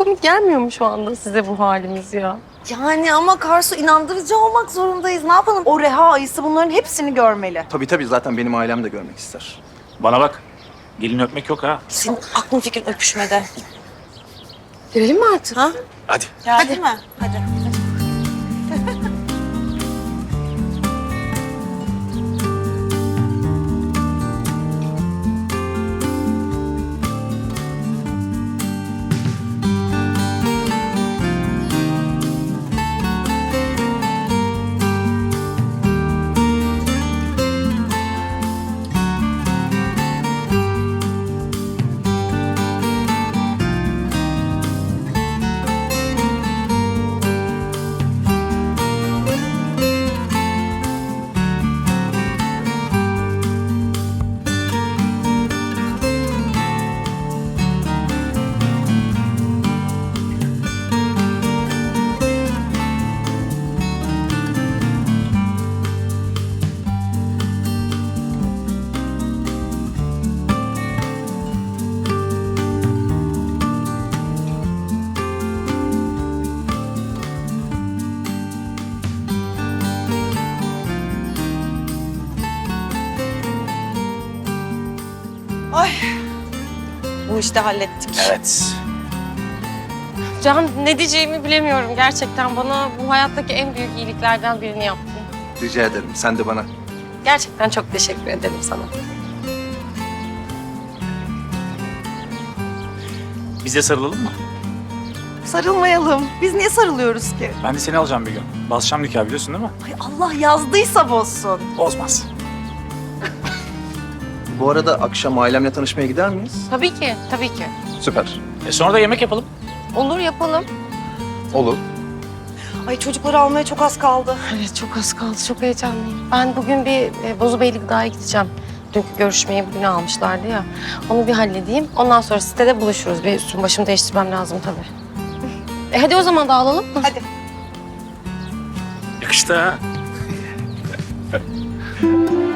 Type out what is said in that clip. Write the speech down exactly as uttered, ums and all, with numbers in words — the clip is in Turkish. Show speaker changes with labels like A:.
A: komik gelmiyor mu şu anda size bu halimiz ya?
B: Yani ama Karsu inandırıcı olmak zorundayız. Ne yapalım? O Reha ayısı bunların hepsini görmeli.
C: Tabii tabii zaten benim ailem de görmek ister.
D: Bana bak. Gelin öpmek yok ha.
B: Senin aklın fikrin öpüşmede.
A: Görelim mi artık?
B: Ha?
D: Hadi.
B: Geldi mi? Hadi. Ay. Bu işte hallettik.
D: Evet.
A: Can, ne diyeceğimi bilemiyorum gerçekten. Bana bu hayattaki en büyük iyiliklerden birini yaptın.
C: Rica ederim. Sen de bana.
A: Gerçekten çok teşekkür ederim sana.
D: Biz de sarılalım mı?
B: Sarılmayalım. Biz niye sarılıyoruz ki?
D: Ben de seni alacağım bir gün. Basacağım nikah biliyorsun değil mi?
B: Ay Allah yazdıysa bozsun.
D: Bozmaz.
C: Bu arada akşam ailemle tanışmaya gider miyiz?
A: Tabii ki, tabii ki.
C: Süper.
D: E sonra da yemek yapalım.
A: Olur, yapalım.
C: Olur.
B: Ay çocukları almaya çok az kaldı.
A: Evet, çok az kaldı. Çok heyecanlıyım. Ben bugün bir e, Bozubeyli Gıda'ya gideceğim. Dünkü görüşmeyi bugüne almışlardı ya. Onu bir halledeyim. Ondan sonra sitede buluşuruz. Bir üstüm başımı değiştirmem lazım tabii. E hadi o zaman dağılalım mı?
B: Hadi.
D: Yakıştı ha.